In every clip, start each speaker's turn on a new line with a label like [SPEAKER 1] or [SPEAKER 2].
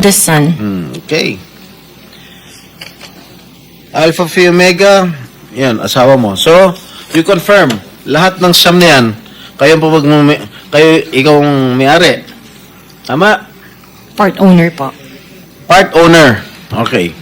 [SPEAKER 1] the Sun.
[SPEAKER 2] Okay. Alpha Phi Omega, yan, asawa mo. So, you confirm, lahat ng siyam na yan, ikaw ang may-ari. Tama?
[SPEAKER 1] Part owner po.
[SPEAKER 2] Part owner. Okay.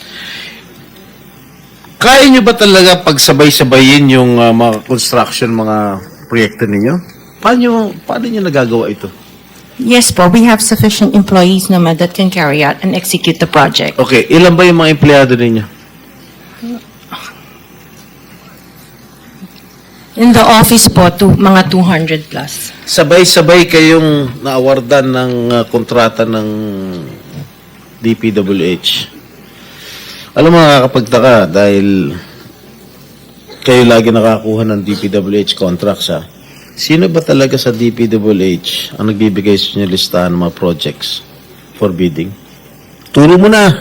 [SPEAKER 2] Kaya nyo ba talaga pagsabay-sabayin yung mga construction, mga proyekto ninyo? Paano nyo nagagawa ito?
[SPEAKER 1] Yes po, we have sufficient employees naman that can carry out and execute the project.
[SPEAKER 2] Okay, ilan ba yung mga empleyado ninyo?
[SPEAKER 1] In the office po, mga 200 plus.
[SPEAKER 2] Sabay-sabay kayong naawardan ng kontrata ng DPWH. Alam mo, nakakapagtaka dahil kayo lagi nakakuha ng DPWH contracts, ha? Sino ba talaga sa DPWH ang nagbibigay sa inyo listahan ng mga projects for bidding? Turo mo na.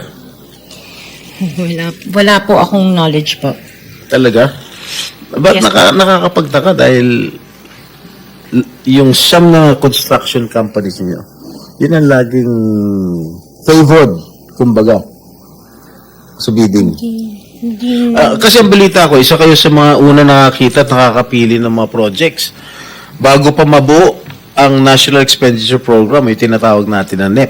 [SPEAKER 1] Wala po akong knowledge po.
[SPEAKER 2] Talaga? Ba't
[SPEAKER 1] Yes,
[SPEAKER 2] nakakapagtaka dahil yung siyam na construction companies niyo, yun ang laging favored, kumbaga, sa bidding. Kasi ang balita ko, isa kayo sa mga una nakakita at nakakapili ng mga projects. Bago pa mabuo ang National Expenditure Program, yung tinatawag natin na NEP.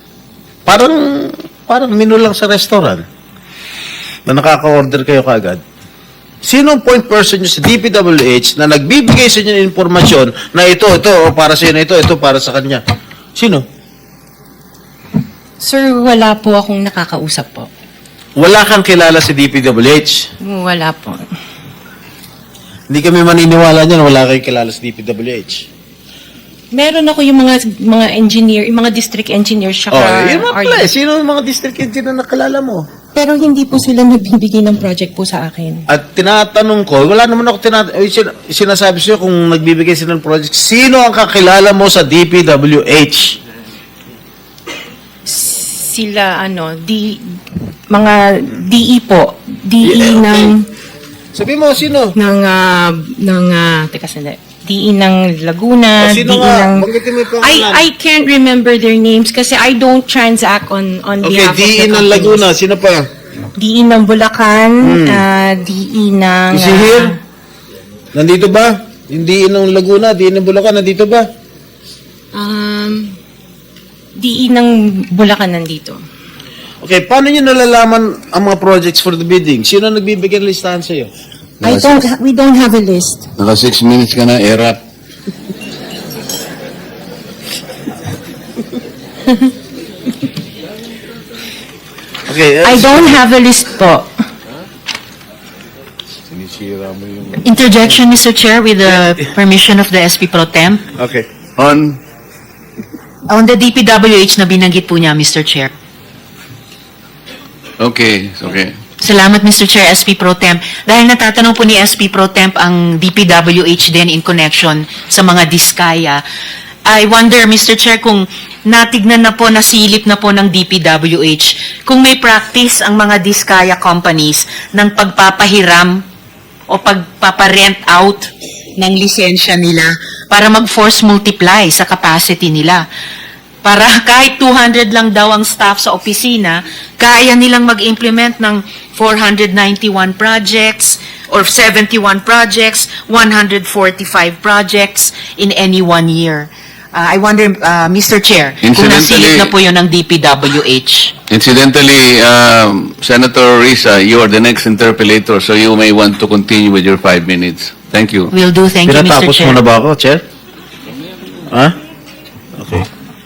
[SPEAKER 2] Parang menu lang sa restaurant na nakaka-order kayo kaagad. Sino ang point person nyo sa DPWH na nagbibigay sa inyo ng informasyon na ito, o para sa inyo, ito para sa kanya? Sino?
[SPEAKER 1] Sir, wala po akong nakakausap po.
[SPEAKER 2] Wala kang kilala sa DPWH?
[SPEAKER 1] Wala po.
[SPEAKER 2] Hindi kami maniniwala niyan, wala kayong kilala sa DPWH.
[SPEAKER 1] Meron ako yung mga engineer, yung mga district engineers, saka
[SPEAKER 2] Yun mga pala. Sino ang mga district engineer na nakilala mo?
[SPEAKER 1] Pero hindi po sila nagbibigay ng project po sa akin.
[SPEAKER 2] At tinatanong ko, wala naman ako sinasabi sa'yo kung nagbibigay sila ng project. Sino ang kakilala mo sa DPWH?
[SPEAKER 1] Sila, mga DE po. DE
[SPEAKER 2] Sabi mo, sino?
[SPEAKER 1] teka sandali. DE ng Laguna,
[SPEAKER 2] sino
[SPEAKER 1] DE
[SPEAKER 2] nga?
[SPEAKER 1] ng...
[SPEAKER 2] Banggitin mo yung pangalan.
[SPEAKER 1] I can't remember their names kasi I don't transact on behalf of the
[SPEAKER 2] DE ng
[SPEAKER 1] companies.
[SPEAKER 2] Laguna, sino pa?
[SPEAKER 1] DE ng Bulacan, DE ng...
[SPEAKER 2] Is he here? Nandito ba? Yung DE ng Laguna, DE ng Bulacan, nandito ba?
[SPEAKER 1] DE ng Bulacan nandito.
[SPEAKER 2] Okay, paano nyo nalalaman ang mga projects for the bidding? Sino nagbibigay ng listahan sa'yo?
[SPEAKER 1] We don't have a list.
[SPEAKER 3] Naka 6 minutes ka na, erap.
[SPEAKER 2] Okay,
[SPEAKER 1] I don't have a list po.
[SPEAKER 3] Sinisira mo yung...
[SPEAKER 4] Interjection, Mr. Chair, with the permission of the SP Pro Temp.
[SPEAKER 2] Okay.
[SPEAKER 4] On the DPWH na binanggit po niya, Mr. Chair.
[SPEAKER 3] Okay.
[SPEAKER 4] Salamat, Mr. Chair, SP Pro Temp. Dahil natatanong po ni SP Pro Temp ang DPWH din in connection sa mga diskaya. I wonder, Mr. Chair, kung natignan na po, nasilip na po ng DPWH, kung may practice ang mga diskaya companies ng pagpapahiram o pagpaparent out ng lisensya nila para mag-force multiply sa capacity nila. Para kahit 200 lang daw ang staff sa opisina, kaya nilang mag-implement ng 491 projects or 71 projects, 145 projects in any 1 year. I wonder, Mr. Chair, kung nasilip na po yun ng DPWH.
[SPEAKER 3] Incidentally, Senator Risa, you are the next interpellator, so you may want to continue with your 5 minutes. Thank you.
[SPEAKER 4] Will do. Thank you, Mr.
[SPEAKER 2] Pinatapos
[SPEAKER 4] Chair.
[SPEAKER 2] mo na ba ako, Chair? Ha? Okay.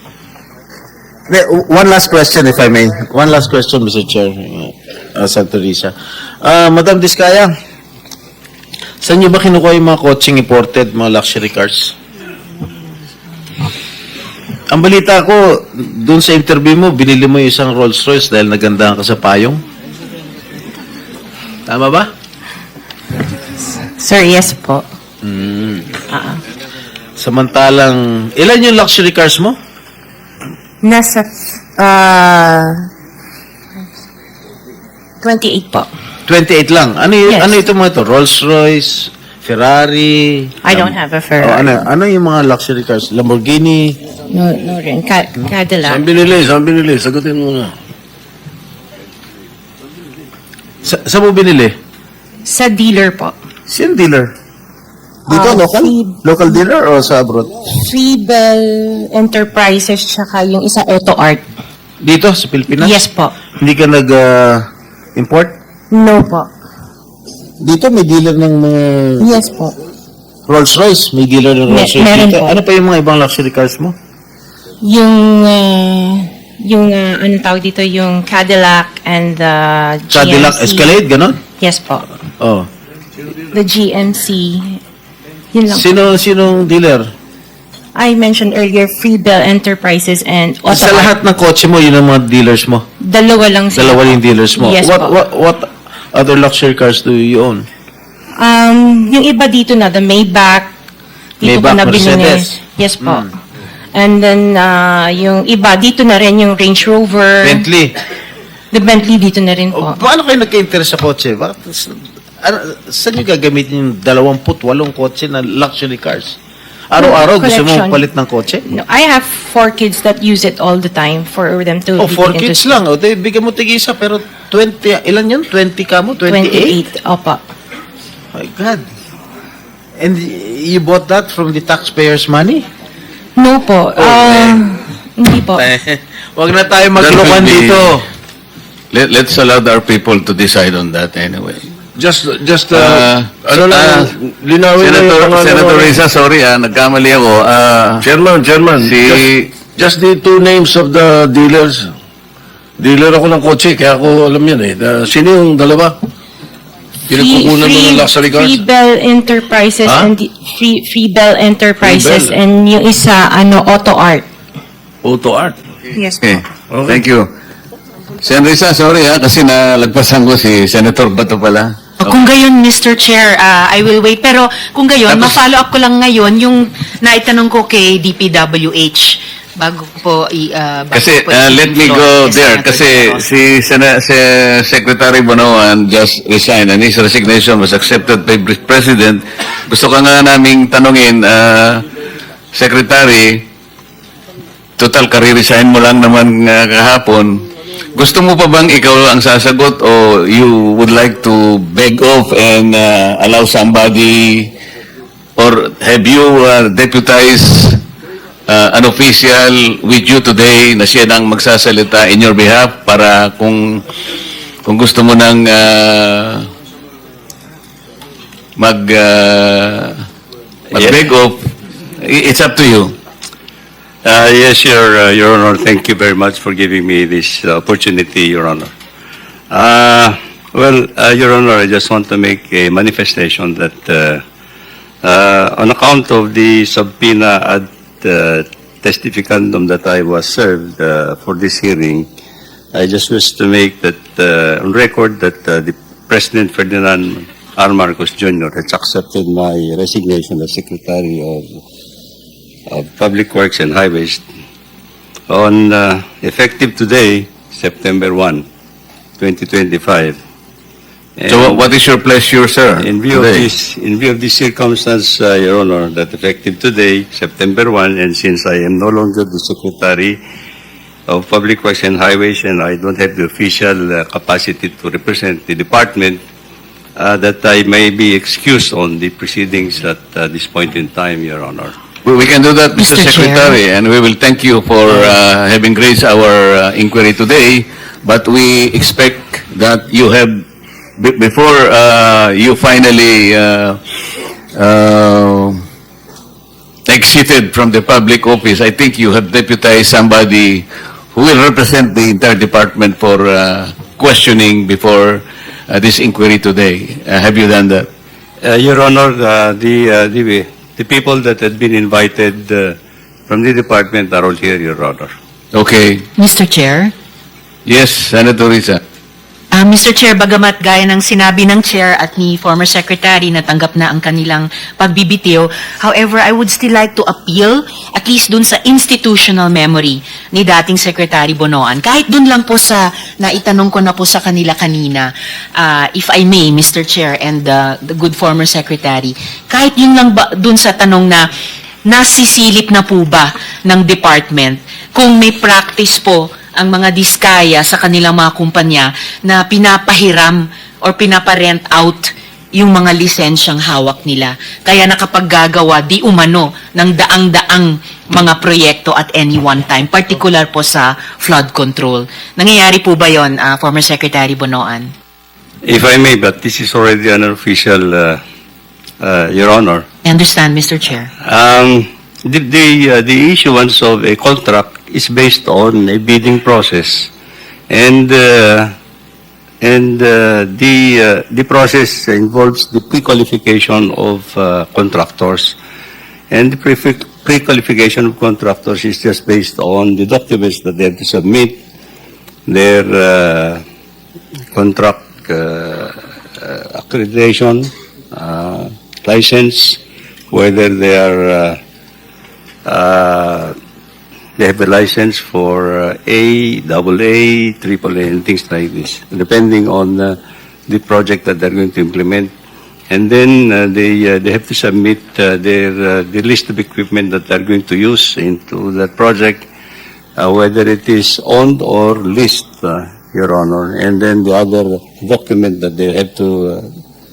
[SPEAKER 2] One last question, if I may. One last question, Mr. Chair. Senator Risa. Madam Diskaya, saan niyo ba kinukuha yung mga coaching imported, mga luxury cars? Ang balita ko, dun sa interview mo, binili mo yung isang Rolls Royce dahil nagandahan ka sa payong. Tama ba?
[SPEAKER 1] Sir, yes po.
[SPEAKER 2] Samantalang, ilan yung luxury cars mo?
[SPEAKER 1] Nasa 28 po.
[SPEAKER 2] 28 lang. Ano
[SPEAKER 1] Yes.
[SPEAKER 2] Ano ito mga ito? Rolls Royce, Ferrari?
[SPEAKER 1] I don't have a
[SPEAKER 2] Oh,
[SPEAKER 1] Ferrari.
[SPEAKER 2] ano yung mga luxury cars? Lamborghini?
[SPEAKER 1] No, no rin. Cadillac.
[SPEAKER 5] Saan binili? Sagutin mo na.
[SPEAKER 2] Sa mo binili?
[SPEAKER 1] Sa dealer po.
[SPEAKER 2] Sino dealer? Dito, local? Local dealer o sa abroad?
[SPEAKER 1] Freebell Enterprises tsaka yung isa Auto Art.
[SPEAKER 2] Dito, sa Pilipinas?
[SPEAKER 1] Yes po.
[SPEAKER 2] Hindi ka nag-import?
[SPEAKER 1] No po.
[SPEAKER 2] Dito, may dealer ng mga
[SPEAKER 1] Yes po.
[SPEAKER 2] Rolls-Royce. May dealer ng Rolls-Royce
[SPEAKER 1] meron
[SPEAKER 2] dito.
[SPEAKER 1] po.
[SPEAKER 2] Ano pa yung mga ibang luxury cars mo?
[SPEAKER 1] Yung ano tawag dito, yung Cadillac and the GMC.
[SPEAKER 2] Cadillac Escalade, ganon?
[SPEAKER 1] Yes po.
[SPEAKER 2] Oh.
[SPEAKER 1] The GMC. Yun lang.
[SPEAKER 2] Sinong dealer?
[SPEAKER 1] I mentioned earlier, Freebell Enterprises and Auto
[SPEAKER 2] Sa
[SPEAKER 1] Art.
[SPEAKER 2] lahat ng kotse mo, yun ang mga dealers mo.
[SPEAKER 1] Dalawa lang sila.
[SPEAKER 2] Dalawa yung dealers mo.
[SPEAKER 1] Yes po.
[SPEAKER 2] What other luxury cars do you own?
[SPEAKER 1] Yung iba dito na, the Maybach. Dito ko
[SPEAKER 2] Maybach,
[SPEAKER 1] na binili.
[SPEAKER 2] Mercedes.
[SPEAKER 1] Yes po. And then, yung iba, dito na rin yung Range Rover.
[SPEAKER 2] Bentley.
[SPEAKER 1] The Bentley dito na rin po.
[SPEAKER 2] Paano kayo nagka-interest sa kotse? Saan nyo gagamitin yung 28 kotse na luxury cars? Araw-araw gusto mo
[SPEAKER 1] Collection.
[SPEAKER 2] palit ng kotse?
[SPEAKER 1] No, I have 4 kids that use it all the time for them to
[SPEAKER 2] Oh,
[SPEAKER 1] be
[SPEAKER 2] 4
[SPEAKER 1] into
[SPEAKER 2] kids lang. O, di, bigyan mo tig-isa, pero 20, ilan yun? 20 ka mo? 28?
[SPEAKER 1] 28. Opo.
[SPEAKER 2] My God. And you bought that from the taxpayers' money?
[SPEAKER 1] No po. Hindi po.
[SPEAKER 2] Wag na tayo
[SPEAKER 3] That
[SPEAKER 2] maglokohan
[SPEAKER 3] will be-
[SPEAKER 2] dito.
[SPEAKER 3] Let's allow our people to decide on that anyway.
[SPEAKER 5] Just,
[SPEAKER 3] Senator
[SPEAKER 5] linawin na yung pangalan
[SPEAKER 3] Senator
[SPEAKER 5] mo.
[SPEAKER 3] Risa, sorry nagkamali ako.
[SPEAKER 5] Chairman, just the two names of the dealers. Dealer ako ng kotse, kaya ako alam yan eh. Sino yung dalawa? Pinagkukunan mo ng luxury cars?
[SPEAKER 1] Freebell Enterprises
[SPEAKER 5] Ha?
[SPEAKER 1] and Freebell Enterprises
[SPEAKER 5] Freebell.
[SPEAKER 1] and yung isa Auto Art.
[SPEAKER 5] Auto Art.
[SPEAKER 1] Yes
[SPEAKER 3] Okay. Thank you. Sen Risa, sorry kasi nalagpasan ko si Senator Bato pala.
[SPEAKER 4] Kung gayon, Mr. Chair, I will wait. Pero kung gayon,
[SPEAKER 3] Tapos-
[SPEAKER 4] ma-follow up ko lang ngayon yung naitanong ko kay DPWH bago po
[SPEAKER 3] Kasi
[SPEAKER 4] bago po
[SPEAKER 3] let me
[SPEAKER 4] i-floor
[SPEAKER 3] go
[SPEAKER 4] kay
[SPEAKER 3] there
[SPEAKER 4] Senator
[SPEAKER 3] kasi
[SPEAKER 4] De La Rosa.
[SPEAKER 3] si Secretary Bonoan just resigned and his resignation was accepted by President. Gusto ka nga naming tanungin, Secretary, total kare-resign mo lang naman kahapon. Gusto mo pa bang ikaw ang sasagot o you would like to beg off and allow somebody or have you deputized an official with you today na siya nang magsasalita in your behalf para kung gusto mo nang mag-beg off, it's up to you.
[SPEAKER 6] Yes, Your Honor. Thank you very much for giving me this opportunity, Your Honor. Your Honor, I just want to make a manifestation that on account of the subpoena ad testificandum that I was served for this hearing, I just wish to make that on record that the President Ferdinand R. Marcos Jr. has accepted my resignation as Secretary of Public Works and Highways on effective today, September 1, 2025.
[SPEAKER 3] So what is your pleasure, sir?
[SPEAKER 6] In view of
[SPEAKER 3] today?
[SPEAKER 6] this circumstance, Your Honor, that effective today, September 1, and since I am no longer the Secretary of Public Works and Highways and I don't have the official capacity to represent the department, that I may be excused on the proceedings at this point in time, Your Honor.
[SPEAKER 3] We can do that, Mr.
[SPEAKER 4] Mr. Chair.
[SPEAKER 3] Secretary, and we will thank you for having raised our inquiry today. But we expect that you have, before you finally exited from the public office, I think you have deputized somebody who will represent the entire department for questioning before this inquiry today. Have you done that?
[SPEAKER 6] Your Honor, the people that had been invited from the department are all here, Your Honor.
[SPEAKER 3] Okay.
[SPEAKER 4] Mr. Chair?
[SPEAKER 3] Yes, Senator Risa.
[SPEAKER 4] Mr. Chair, bagamat gaya ng sinabi ng Chair at ni former Secretary na tanggap na ang kanilang pagbibitiw, however, I would still like to appeal at least dun sa institutional memory ni dating Secretary Bonoan. Kahit dun lang po sa naitanong ko na po sa kanila kanina, if I may, Mr. Chair and the good former Secretary, kahit yun lang ba dun sa tanong na nasisilip na po ba ng department kung may practice po ang mga diskaya sa kanilang mga kumpanya na pinapahiram or pinaparent out yung mga lisensyang hawak nila. Kaya nakapaggagawa di umano ng daang-daang mga proyekto at any one time, particular po sa flood control. Nangyayari po ba yon, former Secretary Bonoan?
[SPEAKER 6] If I may, but this is already an official, Your Honor.
[SPEAKER 4] I understand, Mr. Chair.
[SPEAKER 6] The issuance of a contract is based on a bidding process, and the process involves the pre-qualification of contractors, and the pre-qualification of contractors is just based on the documents that they have to submit, their contract accreditation, license, whether they are they have a license for A, AA, AAA, and things like this, depending on the project that they're going to implement. And then they have to submit the list of equipment that they're going to use into that project, whether it is owned or leased, Your Honor. And then the other document that they have to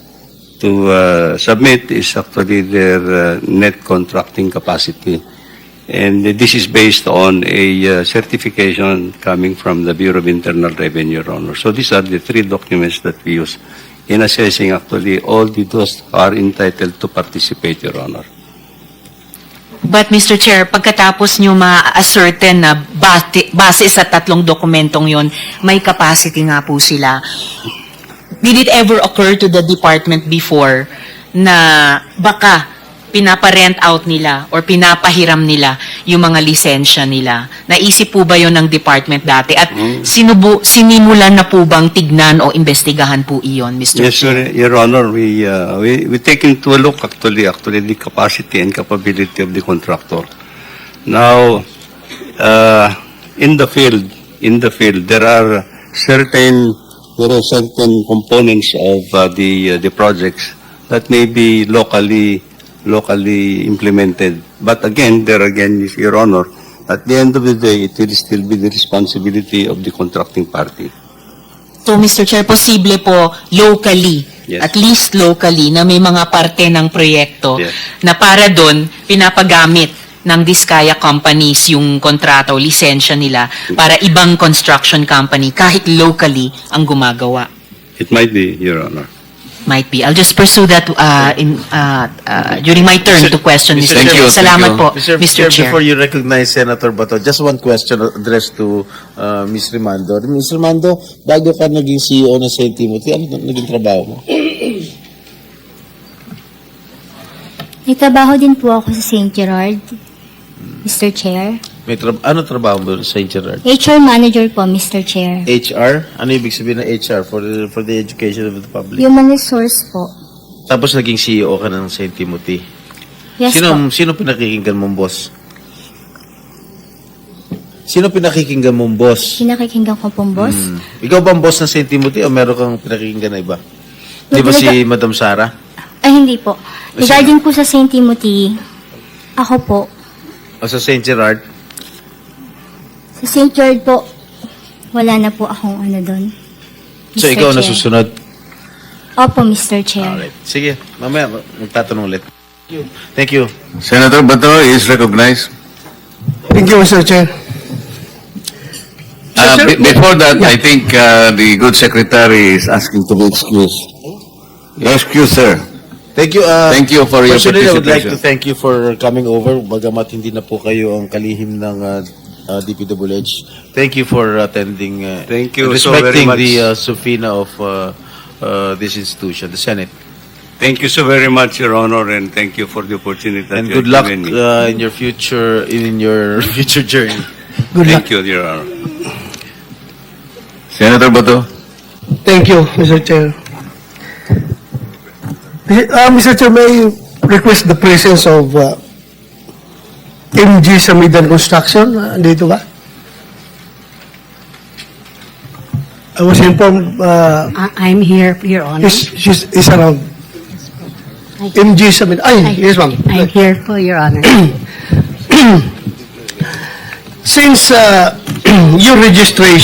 [SPEAKER 6] submit is actually their net contracting capacity. And this is based on a certification coming from the Bureau of Internal Revenue, Your Honor. So these are the three documents that we use in assessing actually all those are entitled to participate, Your Honor.
[SPEAKER 4] But Mr. Chair, pagkatapos nyo ma-ascertain na base sa tatlong dokumentong yon, may capacity nga po sila. Did it ever occur to the department before na baka pinaparent out nila or pinapahiram nila yung mga lisensya nila? Naisip po ba yon ng department dati? At sinimulan na po bang tignan o investigahan po iyon, Mr.
[SPEAKER 6] Yes,
[SPEAKER 4] Chair?
[SPEAKER 6] Your Honor, we take into a look actually the capacity and capability of the contractor. Now, in the field, there are certain components of the projects that may be locally implemented. But again, Your Honor, at the end of the day, it will still be the responsibility of the contracting party.
[SPEAKER 4] So, Mr. Chair, posible po locally,
[SPEAKER 6] Yes.
[SPEAKER 4] at least locally, na may mga parte ng proyekto
[SPEAKER 6] Yes.
[SPEAKER 4] na para doon pinapagamit ng Diskaya companies yung kontrata o lisensya nila para ibang construction company, kahit locally, ang gumagawa.
[SPEAKER 6] It might be, Your Honor.
[SPEAKER 4] Might be. I'll just pursue that during my turn to question, Mr.
[SPEAKER 3] Thank
[SPEAKER 4] Chair.
[SPEAKER 3] you.
[SPEAKER 4] Salamat po,
[SPEAKER 2] Mr.
[SPEAKER 4] Mr. Chair.
[SPEAKER 2] Before you recognize Senator Bato, just one question addressed to Ms. Rimando. Ms. Rimando, bago ka naging CEO ng St. Timothy, ano naging trabaho mo?
[SPEAKER 7] Nagtrabaho din po ako sa St. Gerard, Mr. Chair.
[SPEAKER 2] Ano trabaho mo sa St. Gerard?
[SPEAKER 7] HR Manager po, Mr. Chair.
[SPEAKER 2] HR? Ano ibig sabihin ng HR for the education of the public?
[SPEAKER 7] Human Resource po.
[SPEAKER 2] Tapos naging CEO ka ng St. Timothy.
[SPEAKER 7] Yes po.
[SPEAKER 2] Sino pinakikinggan mong boss? Sino pinakikinggan mong boss?
[SPEAKER 7] Pinakikinggan ko pong boss.
[SPEAKER 2] Ikaw ba ang boss ng St. Timothy o meron kang pinakikinggan na iba? Di ba si Madam Sara?
[SPEAKER 7] Ay, hindi po. Regarding po sa St. Timothy, ako po.
[SPEAKER 2] O sa St. Gerard?
[SPEAKER 7] Sa St. Gerard po, wala na po akong ano doon.
[SPEAKER 2] So
[SPEAKER 7] Mr.
[SPEAKER 2] ikaw
[SPEAKER 7] Chair.
[SPEAKER 2] nasusunod?
[SPEAKER 7] Opo, Mr. Chair.
[SPEAKER 2] Alright. Sige, mamaya magtatanong ulit. Thank you.
[SPEAKER 3] Senator Bato is recognized.
[SPEAKER 8] Thank you, Mr. Chair.
[SPEAKER 3] Before that, I think the good secretary is asking to be excused. You're excused, sir.
[SPEAKER 2] Thank you.
[SPEAKER 3] Thank you for your
[SPEAKER 2] Personally, I would like to
[SPEAKER 3] participation.
[SPEAKER 2] thank you for coming over. Bagamat hindi na po kayo ang kalihim ng DPWH. Thank you for attending.
[SPEAKER 6] Thank you
[SPEAKER 2] and
[SPEAKER 6] so very
[SPEAKER 2] respecting
[SPEAKER 6] much.
[SPEAKER 2] the subpoena of this institution, the Senate.
[SPEAKER 6] Thank you so very much, Your Honor, and thank you for the opportunity that
[SPEAKER 2] And
[SPEAKER 6] you
[SPEAKER 2] good
[SPEAKER 6] have
[SPEAKER 2] luck
[SPEAKER 6] given me.
[SPEAKER 2] in your future future journey.
[SPEAKER 6] Thank you, Your Honor.
[SPEAKER 3] Senator Bato.
[SPEAKER 8] Thank you, Mr. Chair. Mr. Chair, may I request the presence of MG Samidan Construction? Dito ba? I was informed
[SPEAKER 9] I'm here, Your Honor.
[SPEAKER 8] she's around. MG Samidan. Ay, yes, ma'am.
[SPEAKER 9] I'm here po, Your Honor.
[SPEAKER 8] Since your registration